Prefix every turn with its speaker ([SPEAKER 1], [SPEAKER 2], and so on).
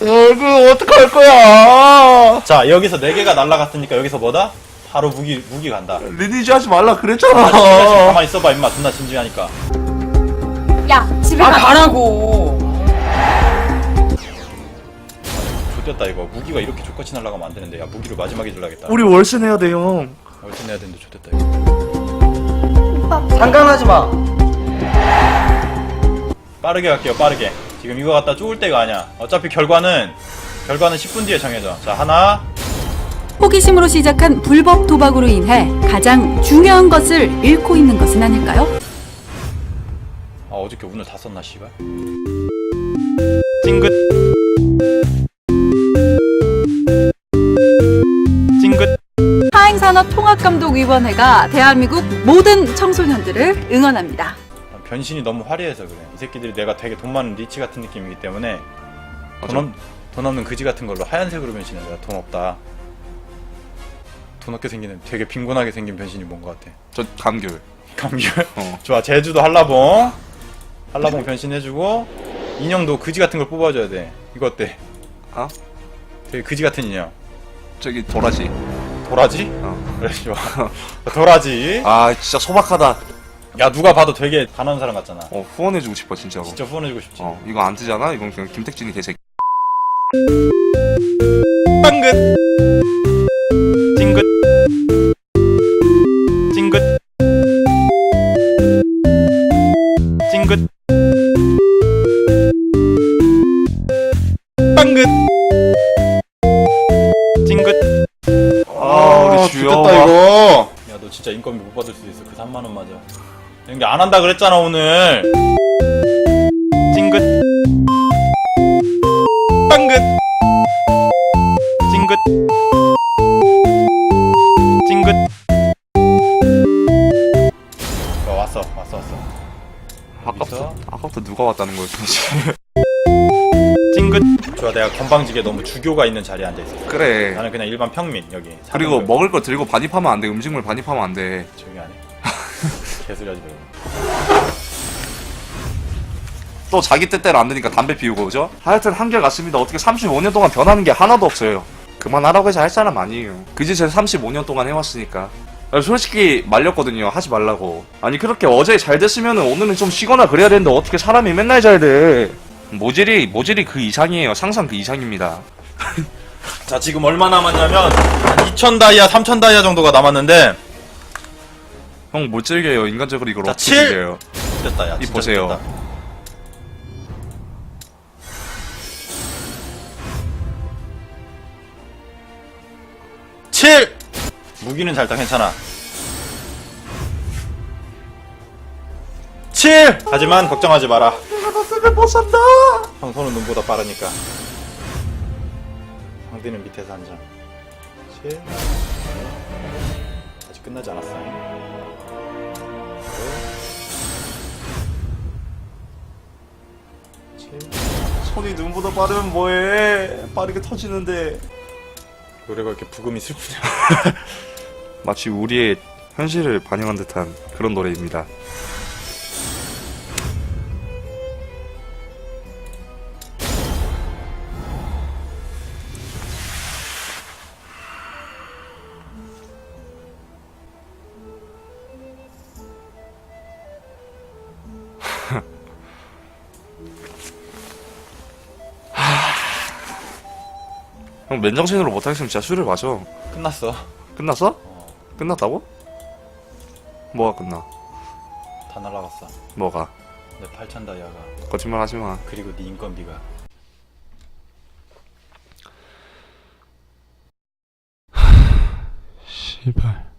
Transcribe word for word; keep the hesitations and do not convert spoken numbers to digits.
[SPEAKER 1] 이거 어떡할 거야. 자, 여기서 네 개가 날라갔으니까 여기서 뭐다? 바로 무기 무기 간다.
[SPEAKER 2] 리니지 하지 말라 그랬잖아.
[SPEAKER 1] 가만히 있어봐 임마. 존나 진지하니까.
[SPEAKER 3] 야, 집에
[SPEAKER 4] 아
[SPEAKER 3] 가.
[SPEAKER 4] 가라고.
[SPEAKER 1] 좋됐다 이거. 무기가 이렇게 족같이 날아가면 안 되는데. 야, 무기를 마지막에 들라겠다.
[SPEAKER 2] 우리 월세 내야 돼 형.
[SPEAKER 1] 얼른 해야 되는데 좋됐다 이거.
[SPEAKER 3] 오빠.
[SPEAKER 4] 상관하지 마.
[SPEAKER 1] 빠르게 갈게요. 빠르게. 지금 이거 갖다 쪼을 때가 아니야. 어차피 결과는 결과는 십 분 뒤에 정해져. 자, 하나.
[SPEAKER 5] 호기심으로 시작한 불법 도박으로 인해 가장 중요한 것을 잃고 있는 것은 아닐까요?
[SPEAKER 1] 아, 어저께 운을 다 썼나 씨발. 찡긋. 찡긋.
[SPEAKER 5] 하행산업통합감독위원회가 대한민국 모든 청소년들을 응원합니다.
[SPEAKER 1] 변신이 너무 화려해서 그래. 이 새끼들이 내가 되게 돈 많은 리치 같은 느낌이기 때문에 돈, 없, 돈 없는 그지 같은 걸로 하얀색으로 변신해. 내가 돈 없다. 돈 없게 생기는 되게 빈곤하게 생긴 변신이 뭔 것 같아.
[SPEAKER 2] 저 감귤.
[SPEAKER 1] 감귤?
[SPEAKER 2] 어.
[SPEAKER 1] 좋아. 제주도 한라봉. 한라봉 변신해주고 인형도 그지 같은 걸 뽑아줘야 돼. 이거 어때?
[SPEAKER 2] 어?
[SPEAKER 1] 되게 그지 같은 인형.
[SPEAKER 2] 저기 도라지.
[SPEAKER 1] 도라지?
[SPEAKER 2] 어.
[SPEAKER 1] 그래 좋아. 도라지.
[SPEAKER 2] 아 진짜 소박하다.
[SPEAKER 1] 야, 누가 봐도 되게 가난한 사람 같잖아.
[SPEAKER 2] 어 후원해주고 싶어 진짜로.
[SPEAKER 1] 진짜 후원해주고 싶지.
[SPEAKER 2] 어 이거 안 뜨잖아. 이건 그냥 김택진이 개새끼.
[SPEAKER 1] 빵긋. 찡긋. 찡긋. 찡긋. 빵긋. 찡긋.
[SPEAKER 2] 아 우리 주여.
[SPEAKER 1] 좋겠다 이거. 야, 너 진짜 인건비 못 받을 수도 있어. 그 삼만 원 맞아. 연기 안 한다 그랬잖아 오늘. 찡긋. 빵긋. 찡긋. 찡긋. 어, 왔어 왔어 왔어.
[SPEAKER 2] 아까부터 아까부터 누가 왔다는 거였지.
[SPEAKER 1] 찡긋. 좋아, 내가 건방지게 너무 주교가 있는 자리에 앉아있어.
[SPEAKER 2] 그래.
[SPEAKER 1] 나는 그냥 일반 평민 여기.
[SPEAKER 2] 그리고
[SPEAKER 1] 사는
[SPEAKER 2] 먹을 거 들고 반입하면 안 돼. 음식물 반입하면 안 돼.
[SPEAKER 1] 조용히 안 해. 개소리 하지 말고.
[SPEAKER 2] 또 자기 뜻대로 안 되니까 담배 피우고 그죠? 하여튼 한결 같습니다. 어떻게 삼십오 년 동안 변하는 게 하나도 없어요. 그만하라고 해서 할 사람 아니에요. 그 짓을 삼십오 년 동안 해왔으니까. 솔직히 말렸거든요. 하지 말라고. 아니 그렇게 어제 잘 됐으면 오늘은 좀 쉬거나 그래야 되는데 어떻게 사람이 맨날 잘 돼. 모질이 모질이 그 이상이에요. 상상 그 이상입니다.
[SPEAKER 1] 자, 지금 얼마 남았냐면 한 이천 다이아, 삼천 다이아 정도가 남았는데.
[SPEAKER 2] 형 못 즐겨요. 인간적으로 이걸
[SPEAKER 1] 자,
[SPEAKER 2] 어떻게
[SPEAKER 1] 칠!
[SPEAKER 2] 즐겨요.
[SPEAKER 1] 됐다, 야.
[SPEAKER 2] 이
[SPEAKER 1] 진짜
[SPEAKER 2] 보세요.
[SPEAKER 1] 됐다. 칠! 무기는 잘다 괜찮아. 칠! 하지만 걱정하지 마라.
[SPEAKER 2] 내가 너 때문에 못 산다.
[SPEAKER 1] 형 손은 눈보다 빠르니까. 황디는 밑에서 한 장. 칠. 아직 끝나지 않았어. 칠.
[SPEAKER 2] 손이 눈보다 빠르면 뭐해. 빠르게 터지는데.
[SPEAKER 1] 노래가 이렇게 부금이 슬프냐.
[SPEAKER 2] 마치 우리의 현실을 반영한 듯한 그런 노래입니다. 형 맨정신으로 못하겠으면 진짜 술을 마셔.
[SPEAKER 1] 끝났어.
[SPEAKER 2] 끝났어?
[SPEAKER 1] 어,
[SPEAKER 2] 끝났다고? 뭐가 끝나?
[SPEAKER 1] 다 날라갔어.
[SPEAKER 2] 뭐가?
[SPEAKER 1] 내 팔천 다이아가.
[SPEAKER 2] 거짓말 하지 마.
[SPEAKER 1] 그리고 네 인건비가.
[SPEAKER 2] 씨발.